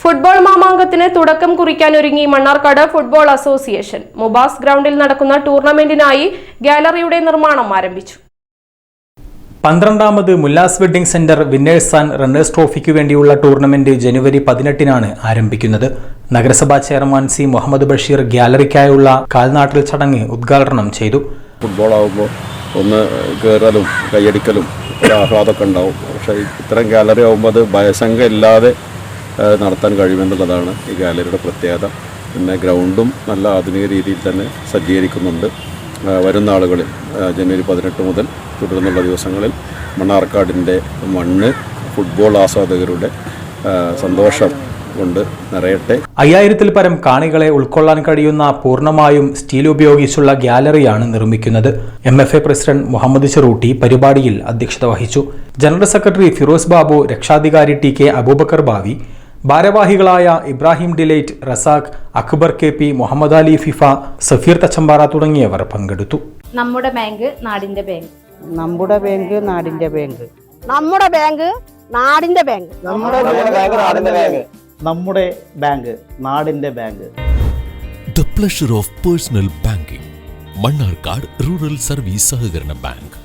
Football മാമാങ്കത്തിന് തുടക്കം കുറിക്കാനൊരുങ്ങി മണ്ണാർക്കാട് ഫുട്ബോൾ അസോസിയേഷൻ. മുബാസ് ഗ്രൗണ്ടിൽ നടക്കുന്ന ടൂർണമെന്റിനായി ഗാലറിയുടെ നിർമ്മാണം ആരംഭിച്ചു. 12ാമത് Mullas wedding centre winners and runners ട്രോഫിക്കു വേണ്ടിയുള്ള ടൂർണമെന്റ് ജനുവരി 18-നാണ് ആരംഭിക്കുന്നത്. നഗരസഭാ ചെയർമാൻ സി മുഹമ്മദ് ബഷീർ ഗാലറിക്കായുള്ള കാൽനാട്ടൽ ചടങ്ങ് ഉദ്ഘാടനം ചെയ്തു. ഫുട്ബോൾ ആകുമ്പോൾ ഒന്ന് കയറലും കൈയടിക്കലും ആഹ്ലാദമൊക്കെ ഉണ്ടാവും. പക്ഷേ ഇത്തരം ഗാലറി ആകുമ്പോൾ അത് ഭയശങ്ക ഇല്ലാതെ നടത്താൻ കഴിയുമെന്നുള്ളതാണ് ഈ ഗാലറിയുടെ പ്രത്യേകത. പിന്നെ ഗ്രൗണ്ടും നല്ല ആധുനിക രീതിയിൽ തന്നെ സജ്ജീകരിക്കുന്നുണ്ട്. വരുന്ന ആളുകളിൽ ജനുവരി 18 മുതൽ തുടർന്നുള്ള ദിവസങ്ങളിൽ മണ്ണാർക്കാടിൻ്റെ മണ്ണ് ഫുട്ബോൾ ആസ്വാദകരുടെ സന്തോഷം കൊണ്ട് നിറയട്ടെ. 5000-ൽ പരം കാണികളെ ഉൾക്കൊള്ളാൻ കഴിയുന്ന പൂർണ്ണമായും സ്റ്റീൽ ഉപയോഗിച്ചുള്ള ഗാലറിയാണ് നിർമ്മിക്കുന്നത്. MFA പ്രസിഡന്റ് മുഹമ്മദ് ചെറൂട്ടി പരിപാടിയിൽ അധ്യക്ഷത വഹിച്ചു. ജനറൽ സെക്രട്ടറി ഫിറോസ് ബാബു, രക്ഷാധികാരി TK അബൂബക്കർ ബാവി, ഭാരവാഹികളായ Ibrahim Delight, Razak, Akbar KP, Muhammad Ali FIFA, Safeer Thachampara തുടങ്ങിയവർ പങ്കെടുത്തു. നമ്മുടെ ബാങ്ക് നാടിന്റെ ബാങ്ക്, നമ്മുടെ ബാങ്ക് നാടിന്റെ ബാങ്ക്, നമ്മുടെ ബാങ്ക് നാടിന്റെ ബാങ്ക്, നമ്മുടെ ബാങ്ക് നാടിന്റെ ബാങ്ക്, നമ്മുടെ ബാങ്ക് നാടിന്റെ bank. The pleasure of personal banking. Mannarkkad rural service സഹകരണ ബാങ്ക്.